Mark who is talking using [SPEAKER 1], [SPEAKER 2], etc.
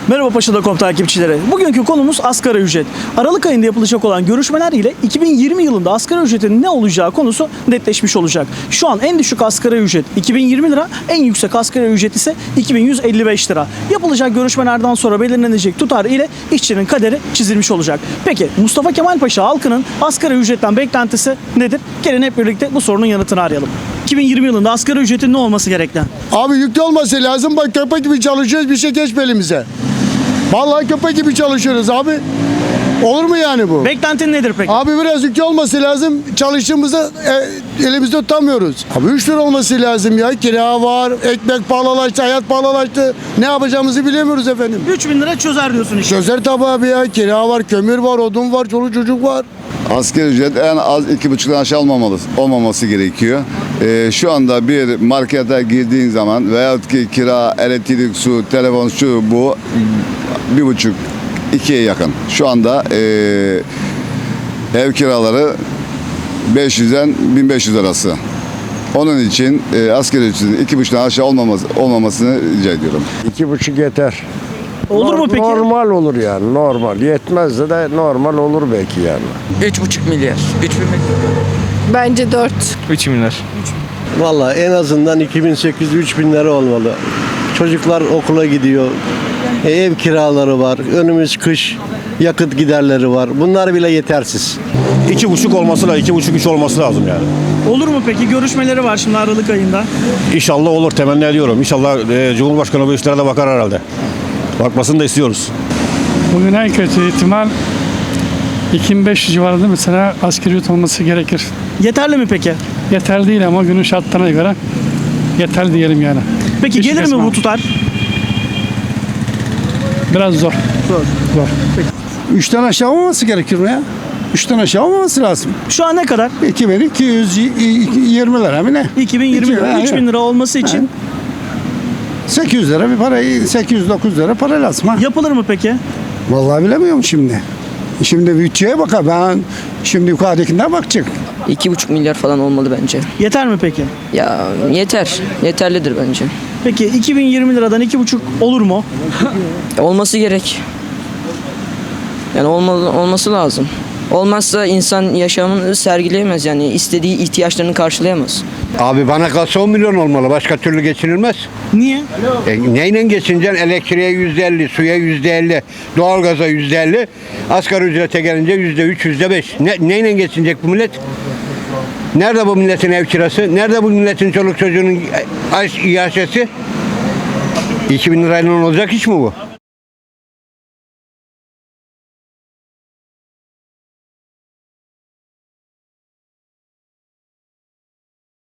[SPEAKER 1] Merhaba Paşa.com takipçileri. Bugünkü konumuz asgari ücret. Aralık ayında yapılacak olan görüşmeler ile 2020 yılında asgari ücretin ne olacağı konusu netleşmiş olacak. Şu an en düşük asgari ücret 2020 lira, en yüksek asgari ücret ise 2155 lira. Yapılacak görüşmelerden sonra belirlenecek tutar ile işçinin kaderi çizilmiş olacak. Peki Mustafa Kemal Paşa halkının asgari ücretten beklentisi nedir? Gelin hep birlikte bu sorunun yanıtını arayalım. 2020 yılında asgari ücretin ne olması gerekli?
[SPEAKER 2] Abi yüklü olması lazım. Bak köpek gibi çalışıyoruz, bir şey geçme elimize. Vallahi köpek gibi çalışıyoruz abi. Olur mu yani bu?
[SPEAKER 1] Beklentin nedir peki?
[SPEAKER 2] Abi biraz yüklü olması lazım. Çalıştığımızda elimizde tutamıyoruz. Abi 3 lira olması lazım ya. Kira var, ekmek pahalılaştı, hayat pahalılaştı. Ne yapacağımızı bilemiyoruz efendim.
[SPEAKER 1] 3000 lira çözer diyorsun işte.
[SPEAKER 2] Çözer tabii abi ya. Kira var, kömür var, odun var, çoluk çocuk var.
[SPEAKER 3] Asgari ücret en az 2,5'dan aşağı olmaması gerekiyor. Şu anda bir markete girdiğin zaman veyahut ki kira, elektrik, su, telefon, şu bu 1,5 2'ye yakın. Şu anda ev kiraları 500'den 1500 arası. Onun için asgari ücretin 2,5'dan aşağı olmamasını rica ediyorum.
[SPEAKER 4] 2,5 yeter.
[SPEAKER 1] Olur mu peki?
[SPEAKER 4] Normal olur yani, normal. Yetmez de normal olur belki yani.
[SPEAKER 5] 3,5 milyar. 3 milyar.
[SPEAKER 6] Bence 4.
[SPEAKER 7] 3 milyar.
[SPEAKER 8] Valla en azından 2800-3000 lira olmalı. Çocuklar okula gidiyor. Ev kiraları var. Önümüz kış. Yakıt giderleri var. Bunlar bile yetersiz.
[SPEAKER 9] 2,5 olması lazım, 2,5-3 olması lazım yani.
[SPEAKER 1] Olur mu peki? Görüşmeleri var şimdi Aralık ayında.
[SPEAKER 9] İnşallah olur, temenni ediyorum. İnşallah Cumhurbaşkanı bu işlere de bakar herhalde. Bakmasını da istiyoruz.
[SPEAKER 7] Bugün en kötü ihtimal 2500 civarında mesela asgari ücret olması gerekir.
[SPEAKER 1] Yeterli mi peki?
[SPEAKER 7] Yeterli değil ama günün şartlarına göre yeterli diyelim yani.
[SPEAKER 1] Peki
[SPEAKER 7] İş
[SPEAKER 1] gelir mi
[SPEAKER 7] resmen
[SPEAKER 1] bu tutar?
[SPEAKER 7] Biraz zor. Zor.
[SPEAKER 10] 3'ten aşağı olmaması gerekir mi ya? 3'ten aşağı olmaması lazım.
[SPEAKER 1] Şu an ne kadar?
[SPEAKER 10] 2220 lira mı ne?
[SPEAKER 1] 2020 lira, 3000 lira olması için
[SPEAKER 10] 800 lira bir para, 800-900 lira para lazım ha.
[SPEAKER 1] yapılır mı peki?
[SPEAKER 10] Vallahi bilemiyorum şimdi. Şimdi bütçeye bakar. Ben şimdi yukarıdakinden bakacak.
[SPEAKER 5] 2,5 milyar falan olmalı bence.
[SPEAKER 1] Yeter mi peki?
[SPEAKER 5] Ya yeter. Yeterlidir bence.
[SPEAKER 1] Peki 2020 liradan 2,5 olur mu?
[SPEAKER 5] Olması gerek. Yani olması lazım. Olmazsa insan yaşamını sergileyemez yani istediği ihtiyaçlarını karşılayamaz.
[SPEAKER 4] Abi bana kalsa 10 milyon olmalı. Başka türlü geçinilmez.
[SPEAKER 1] Niye?
[SPEAKER 4] Neyle geçineceksin? Elektriğe %50, suya %50, doğalgaza %50. Asgari ücrete gelince %3, %5. Neyle geçinecek bu millet? Nerede bu milletin ev kirası? Nerede bu milletin çoluk çocuğunun yaşası? 2000 lirayla olacak iş mi bu?